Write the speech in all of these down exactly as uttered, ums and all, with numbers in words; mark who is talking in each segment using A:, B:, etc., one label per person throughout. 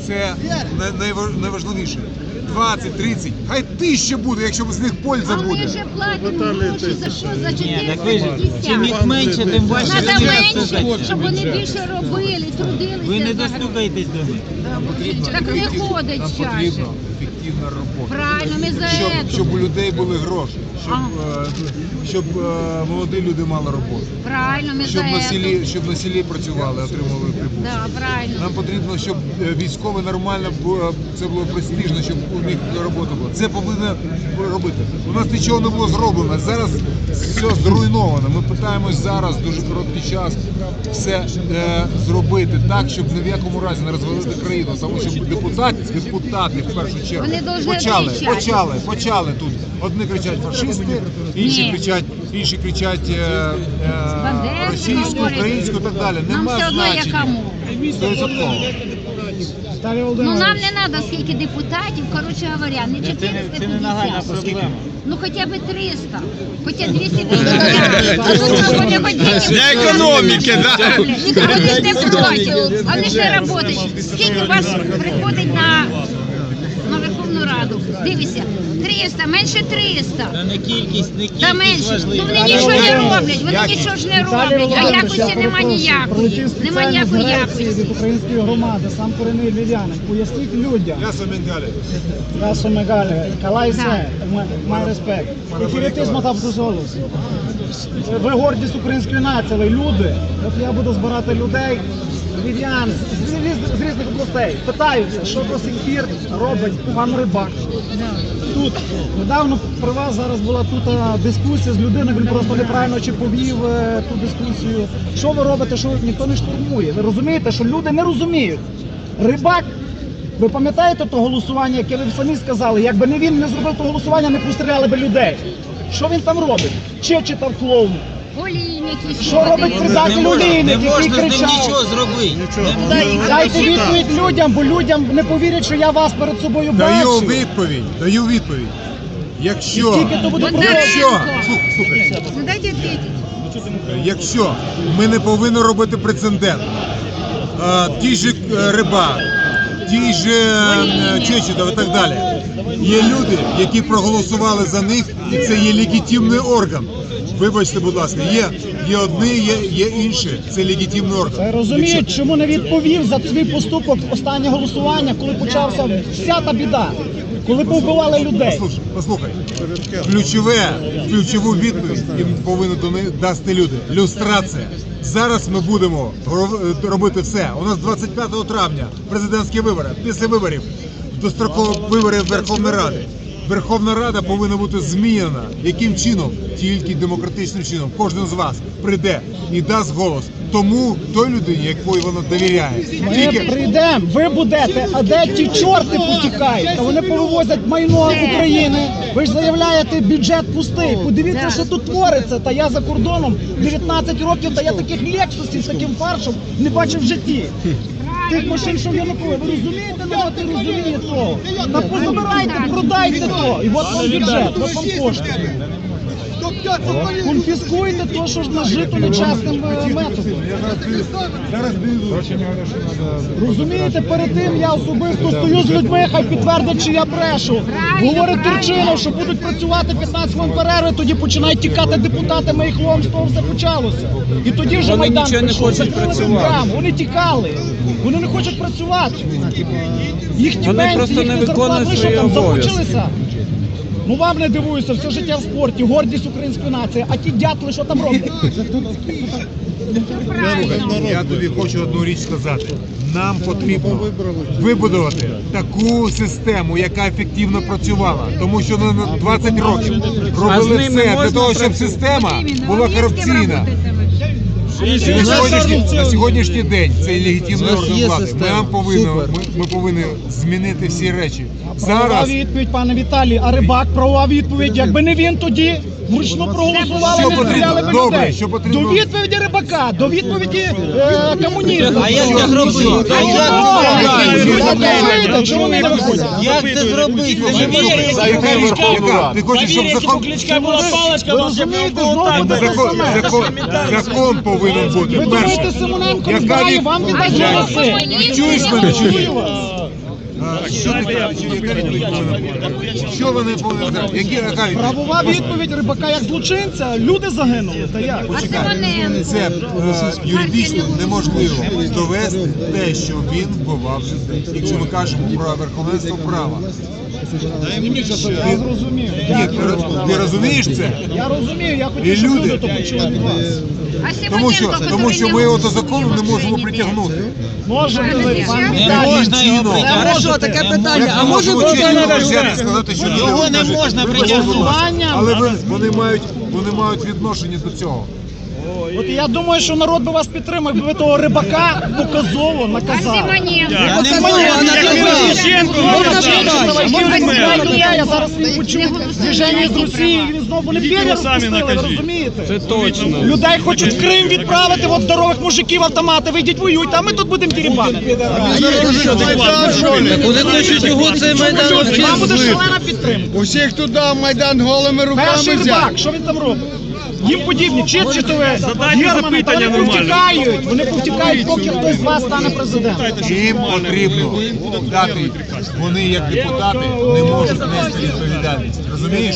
A: це найважливіше. двадцять, тридцять, хай тисяча буде, якщо з них польза буде.
B: А вони вже платять гроші за що? За чотириста п'ятдесят.
C: Чим їх менше, тим важче.
B: Треба менше, щоб вони більше робили, трудилися.
C: Ви не достукаєтесь до них.
B: Так не ходить
A: Нам
B: чаще.
A: потрібна ефективна робота.
B: Правильно, ми за
A: Щоб,
B: це.
A: щоб у людей були гроші, щоб, е, щоб е, молоді люди мали роботу.
B: Правильно, ми
A: Щоб
B: за
A: на
B: це.
A: селі, щоб на селі працювали, отримували прибуток.
B: Да, правильно.
A: Нам потрібно, щоб е, військові нормально було, це було престижно, щоб у них робота була. Це повинно робити. У нас нічого не було зроблено. Зараз все зруйновано. Ми питаємось зараз дуже короткий час все е, зробити так, щоб ні в якому разі не розвалити країну. Тому що депутати, депутати в першу чергу
B: Вони повинні
A: почали,
B: кричати.
A: почали, почали тут. Одні кричать фашисти, інші
B: Ні.
A: кричать, інші кричать е, е,
B: Бандерську
A: російську,
B: говорять.
A: українську і так далі.
B: Нам
A: Нема
B: все одно
A: значення.
B: якому.
A: Стовідсотково.
B: Ну нам не треба скільки депутатів, коротше говоря, не чотириста
C: Це не нагальна
B: п'ятдесят.
C: проблема.
B: Ну хоча б триста, хоча двісті п'ятдесят. А тут що вони хоч денег
D: Для економіки, да?
B: Ніхто ж не проти, вони ж не працюють. Скільки вас приходить на, на Верховну Раду? Дивіться, триста, менше триста.
C: Та не кількість, не
B: Та
C: кількість
B: менше, ну
C: важлива.
B: вони нічого не роблять, вони нічого ж не роблять, а якості нема ніякої, нема ніякої якості.
E: від української громади, сам корінний львів'янин. Поясніть людям.
A: Я Соменгалі.
E: Я Сомегалі, Калайсе, май респект. Ефіритизм там голос. Ви гордість української нації, ви люди. От я буду збирати людей, львів'ян, з, з, з різних областей. Питаються, що до сих пір робить пан Рибак. Тут недавно при вас зараз була тут а, дискусія з людиною, він просто неправильно чи повів е, ту дискусію. Що ви робите, що ніхто не штурмує? Ви розумієте, що люди не розуміють. Рибак, ви пам'ятаєте то голосування, яке ви самі сказали? Якби не він не зробив то голосування, не постріляли би людей. Що він там робить? Чи читав клоун?
B: Олійники,
E: Що робить
C: Не
E: предатель
C: можна,
E: Олійник,
C: не
E: який
C: можна з ним
E: кричав?
C: нічого зробити. Не-
E: Дайте відповідь людям, бо людям не повірять, що я вас перед собою
A: Даю
E: бачу.
A: відповідь, даю відповідь. Якщо,
E: Тільки то буде
A: якщо,
B: Бондаренко.
A: слухай, слухай,
B: Ну дайте відповідь.
A: якщо ми не повинні робити прецедент, а, ті ж е, Рибак, ті ж е, Чечетов і так далі, є люди, які проголосували за них, і це є легітимний орган. Вибачте, будь ласка, є, є одні, є, є інші, це легітимний орган.
E: Ви розумієте, чому не відповів за свій поступок останнє голосування, коли почався вся та біда, коли повбивали людей?
A: Послухай, послухай, ключове, ключову відповідь їм повинні дати люди. Люстрація. Зараз ми будемо робити все. У нас двадцять п'ятого травня президентські вибори. Після виборів дострокові вибори Верховної Ради. Верховна Рада повинна бути змінена. Яким чином? Тільки демократичним чином. Кожен з вас прийде і дасть голос тому той людині, якої вона довіряє.
E: Ми
A: Тільки
E: прийдемо, ви будете, а де ті чорти потікають? Та вони повивозять майно України. Ви ж заявляєте, бюджет пустий. Подивіться, що тут твориться. Та я за кордоном дев'ятнадцять років, та я таких лексусів з таким фаршем не бачив в житті. Тих машин, що в Януковича, ви розумієте, народ не розуміє того. Та позабирайте, продайте то, і от вам бюджет, от вам кошти. Конфіскуйте то, що ж нажито нечесним е, методом. Розумієте, перед тим я особисто стою з людьми, хай підтвердять, чи я брешу. Говорить Турчинов, що будуть працювати п'ятнадцять хвилин перерви, тоді починають тікати депутати, ми їх лом, з того все почалося. І тоді вже
D: Вони
E: Майдан
D: нічого не
E: прийшов.
D: хочуть
E: Закрили
D: працювати.
E: Майдан, вони тікали, вони не хочуть працювати. Їхні
D: Вони
E: пенсії,
D: просто не
E: їхні
D: виконують
E: зарплати, що
D: свої
E: там
D: обов'язки.
E: замучилися? Ну вам не дивуюся, все життя в спорті, гордість української нації, а ті дятли, що там роблять?
A: я тобі хочу одну річ сказати. Нам потрібно вибудувати таку систему, яка ефективно працювала. Тому що на двадцять років робили
D: ними
A: все для
D: можна
A: того, щоб
D: працювати?
A: система була корупційна. На сьогоднішній, на сьогоднішній день це легітимний орган влади. Ми, нам повинні, ми, ми повинні змінити всі речі.
E: Правова
A: Зараз
E: відповідь, пане Віталій, а Рибак, правова відповідь, якби не він тоді, вручну проголосували,
A: Що
E: не
A: потрібно?
E: стріляли би
A: Добре,
E: людей.
A: що потрібно?
E: До відповіді Рибака, до відповіді е, комунізму.
C: А як це зробити?
E: А
C: А як
E: як
C: це
E: ви
C: зробити?
E: знаєте, чому вони не виходять?
C: Як це зробити? Це
A: Яка
C: неможливо.
A: Верховна? Ти хочеш, щоб закон...
E: Ви розумієте, знову буде те
A: Закон,
E: саме.
A: закон, закон повинен бути.
E: Ви
A: Перше.
E: думаєте, Симоненко
A: Яка
E: знає,
A: від-
E: вам віддасть голоси?
A: Чуєш мене, чуєш? А, Що таке? Яка відповідь повинна бути? Що вони повинні зробити? Які яка відповідь?
E: Правова відповідь Рибака як злочинця, люди загинули, та як?
A: Почекайте, це е, юридично неможливо довести те, що він вбивав людей, якщо ми кажемо про верховенство права.
E: Я зрозумів.
A: Ні, ти, роз- ти розумієш це?
E: Я розумію, я
A: І
E: хотів, щоб
A: люди-
E: люди то почули від вас.
B: А
A: Тому що,
B: Симоненко,
A: тому що ми його до закону не можемо
B: голосує
A: притягнути.
E: Можете ви, пан
B: Не
E: Віталій,
C: можна його
A: чином.
C: притягнути.
E: Хорошо,
C: Хорошо, таке питання.
A: Як
C: А
A: ми
C: може
A: можемо
C: бути
A: чином
C: на
A: взяти і сказати, що люди
C: Його не
A: кажуть,
C: можна
A: «Вибачте, будь ласка».
E: притягнути.
A: Але ви, вони мають вони мають відношення до цього.
E: От я думаю, що народ би вас підтримав, якби ви того Рибака показово
B: А
E: наказали.
B: Симоненко?
C: Я не
E: Це
C: можу,
E: моє
C: вона
E: рішення.
C: туди.
E: Можна
C: Можна
E: питання?
C: питання?
E: Можна
C: Можна
E: питання?
C: питання?
E: Я зараз він почув движення з Росії, він знову не піде розпустили, ви розумієте? Це точно. Людей хочуть в Крим відправити, от здорових мужиків автомати, вийдіть воюйте, а ми тут будемо тірібати.
C: Вони хочуть його цей майдан вообще
E: Там буде
C: злити.
E: шалена підтримка.
D: Усіх туди в Майдан голими руками
E: Перший
D: взяти.
E: рибак, що він там робить? Їм подібні, читчитові, гірмани, та вони повтікають, вони повтікають, поки хтось з вас стане президентом.
A: Їм потрібно дати, вони як депутати не можуть нести відповідальність. Розумієш?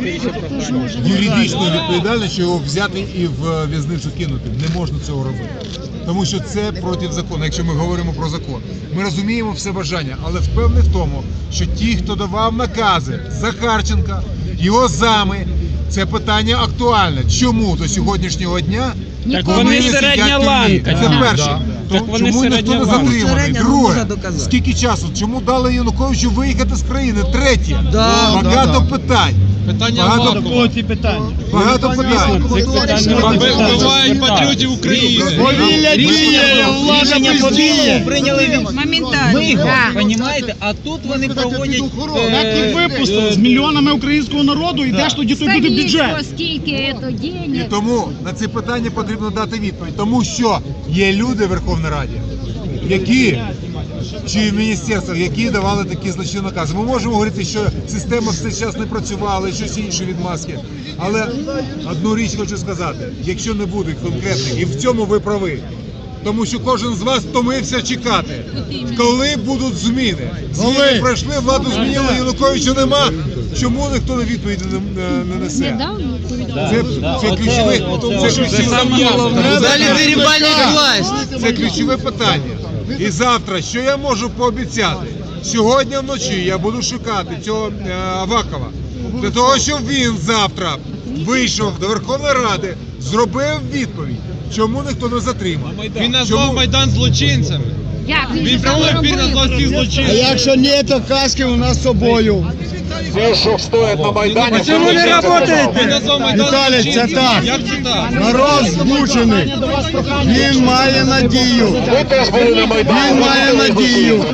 A: Юридичну відповідальність, що його взяти і в в'язницю кинути. Не можна цього робити. Тому що це проти закону, якщо ми говоримо про закон. Ми розуміємо все бажання, але впевнений в тому, що ті, хто давав накази Захарченка, його зами, це питання актуальне. Чому до сьогоднішнього дня
B: Ніколи
A: вони
B: не
A: сидять
F: середня
A: в тюрмі?
F: ланка.
A: Це
F: Да.
A: перше. То
F: Так вони
A: чому ніхто
F: середня
A: не
F: ланка.
A: затриманий?
C: Середня не
A: Друге,
C: можна доказати.
A: скільки часу? Чому дали Януковичу виїхати з країни? Третє,
C: Да,
A: багато
D: да,
A: питань.
D: Питання
A: Багато,
D: варто.
E: Кого ці питання?
A: багато питань.
D: Вбивають патріотів України.
C: Повілля
D: діє, влада бездіє.
C: Прийняли від
B: Моментально.
C: Миго,
B: Да.
C: понімаєте? А тут вони проводять
E: Як їх
C: е,
E: випустили з мільйонами українського народу, йдеш тоді тут буде бюджет.
B: Столицтво, скільки це
A: І
B: денег.
A: тому на ці питання потрібно дати відповідь. Тому що є люди в Верховній Раді, які чи в міністерствах, які давали такі злочинні накази. Ми можемо говорити, що система в цей час не працювала, і щось інше відмазки. Але одну річ хочу сказати: якщо не буде конкретних, і в цьому ви прави. Тому що кожен з вас втомився чекати, коли будуть зміни. Зміни пройшли, владу змінили, Януковича нема. Чому ніхто на відповіді не, не, не несе? Це, це ключове, це ключове,
C: далі дерибанять власть.
A: це ключове питання. І завтра, що я можу пообіцяти? Сьогодні вночі я буду шукати цього е, Авакова, для того, щоб він завтра вийшов до Верховної Ради, зробив відповідь, чому ніхто не затримав.
D: Він назвав
A: Чому?
D: Майдан злочинцем.
B: Як він
D: Він
B: же сам
D: прямо він назвав
B: робив?
D: всіх
G: А
D: злочинцем.
G: якщо ні, то каски у нас з собою.
A: Все, що стоїть на Майдані,
D: Чому не працюєте? Він назвав Майдан
G: Віталій, це
D: злочинцем.
G: так.
D: Як це так?
G: Народ змучений. Він має надію. Він має надію.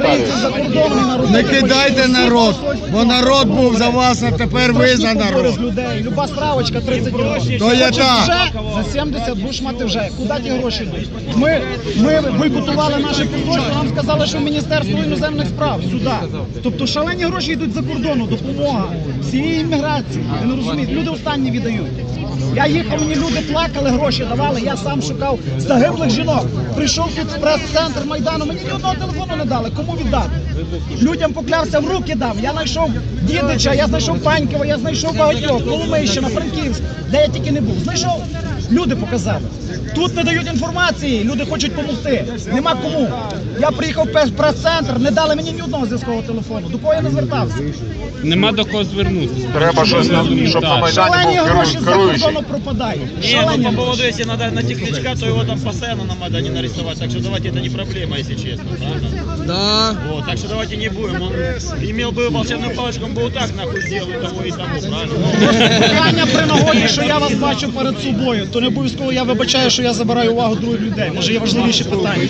G: Не кидайте народ, бо народ був за вас, а тепер ви за народ.
E: З людей. Люба справочка тридцять грошей.
G: То є
E: Хочеш
G: так.
E: вже, за сімдесят будеш мати вже. Куди ті гроші йдуть? Ми, ми бойкотували наші підрозділи, нам сказали, що в Міністерство іноземних справ, сюди. Тобто шалені гроші йдуть за кордону, допомога всієї імміграції. Ви не розумієте, люди останні віддають. Я їхав, мені люди плакали, гроші давали, я сам шукав загиблих жінок. Прийшов тут в прес-центр Майдану, мені ні одного телефону не дали, кому віддати? Людям поклявся, в руки дам. Я знайшов Дідича, я знайшов Панькова, я знайшов багатьох, Коломийщина, Франківськ, де я тільки не був. Знайшов, люди показали. Тут не дають інформації, люди хочуть допомогти. Нема кому. Я приїхав в прес-центр, не дали мені ні одного зв'язкового телефону. До кого я не звертався?
F: Нема до кого звернутися.
H: Треба щось, щоб на Майдані
E: Шалені
H: був
E: гроші
H: керуючий.
E: за
H: керуючий.
E: кордону пропадають.
I: Не,
E: Шалені
I: ну по
E: гроші.
I: поводу, если надо найти Кличка, то его там постоянно на Майдане нарисовать. Так что давайте, это не проблема, если честно. Правильно?
C: Да.
I: Вот, так что давайте не будем. Он имел бы волшебную палочку, он бы вот так нахуй сделал и того, и того, правильно?
E: Питання при нагоді, що я вас бачу перед собою, то не обов'язково я вибачаю, що я забираю увагу других людей. Може є важливіші питання.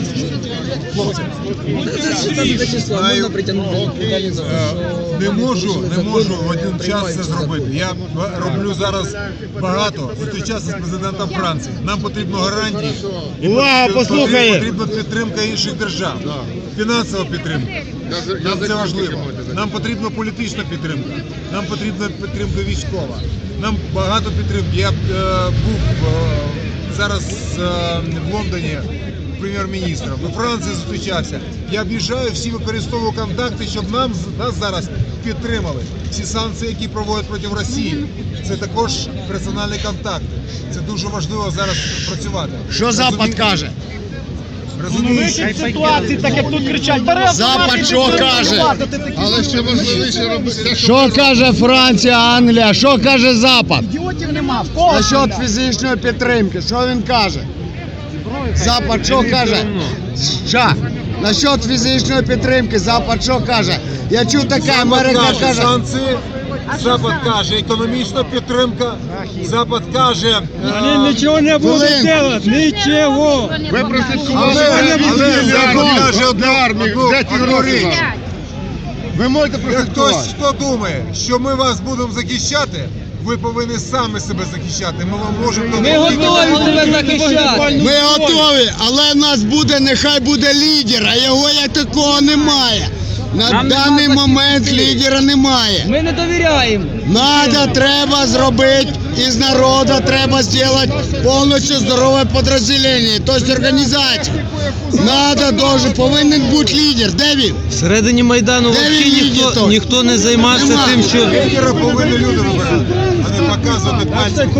C: Можна притягнути до відповідальності за те, що-
A: Не можу, не можу в один час це зробити. Я роблю зараз багато, зустрічатися з президентом Франції. Нам потрібно гарантії.
G: Увага, послухає.
A: Потрібна підтримка інших держав, фінансова підтримка. Нам це важливо. Нам потрібна політична підтримка, нам потрібна підтримка військова. Нам багато підтримки. Я е, був е, зараз е, в Лондоні прем'єр-міністром, до Франції зустрічався. Я об'їжджаю, всі використовую контакти, щоб нам нас зараз підтримали. Всі санкції, які проводять проти Росії, це також персональні контакти. Це дуже важливо зараз працювати.
G: Що Запад каже?
A: Розумієш?
E: Ситуації, так як тут кричать, бери
G: Запад
E: автомат і
G: що
E: ти
G: каже?
E: воювати, ти такий.
G: Але ще важливіше робити. Що каже Франція, Англія? Що каже Запад?
E: Ідіотів нема, в кого?
G: Насчет
E: стріляти?
G: фізичної підтримки, що він каже? Запад що каже? Що? Насчет фізичної підтримки, Запад що каже? Я чув таке,
A: Запад
G: Америка
A: каже
G: каже.
A: санкції, Запад каже економічна підтримка, Запад каже... е,
D: Они ничего не будут
G: Блин.
D: делать, ничего.
A: Але, але Запад каже одну, одну, одну річ.
G: Ви можете
A: Як хтось, хто думає, що ми вас будемо захищати, ви повинні самі себе захищати. Ми вам можемо допомогти.
D: тебе захищати.
G: Ми готові, але в нас буде, нехай буде лідер, а його як такого немає. На
F: Нам нема
G: даний момент
F: захистити.
G: лідера немає.
F: Ми не довіряємо.
G: Надо, треба зробити, із народу треба зробити повністю здорове підрозділення, тобто організацію. Надо, дуже, повинен бути лідер. Де він?
J: Всередині Майдану
G: Де
J: взагалі
G: він лідер
J: ніхто,
G: той?
J: ніхто не займався
G: Нема.
J: тим, що...
A: Лідера повинні люди вибирати, а не показувати пальцем.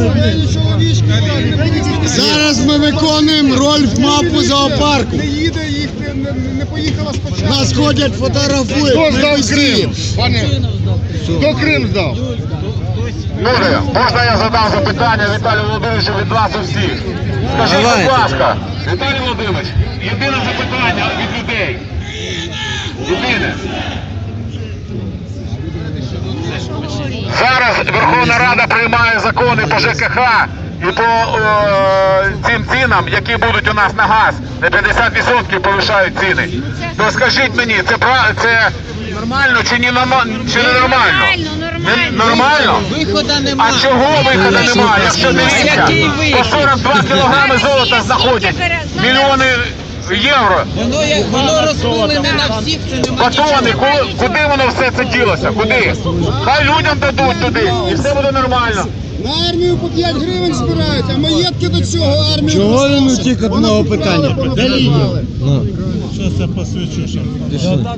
G: Зараз ми виконуємо роль в мапу зоопарку. Нас ходять, фотографують.
H: Хто
G: ми
H: здав
G: висіємо.
H: Крим? Пане, хто Крим здав? Люди, можна я задам запитання Віталію Володимировичу від вас усіх? Скажіть,
J: Давайте.
H: будь ласка, Віталій Володимирович, єдине запитання від людей. Єдине. Зараз Верховна Рада приймає закони по ЖКХ і по е, цим цінам, які будуть у нас на газ. На п'ятдесят відсотків повишають ціни. То скажіть мені, це, пра- це нормально чи, не норма- чи не нормально?
B: Нормально,
H: Не- Нормально?
F: Виходу немає.
H: А чого виходу немає? Якщо дивіться,
F: Який
H: по
F: вихід?
H: сорок два кілограми золота знаходять, мільйони євро.
F: Воно, як- воно розколене на всіх, це немає.
H: Батони, ку- куди воно все це ділося? Куди? Хай людям дадуть туди, і все буде нормально.
G: На армію по п'ять гривень збирають, а маєтки до цього армію. Чого він утік одного питання? Де лідер?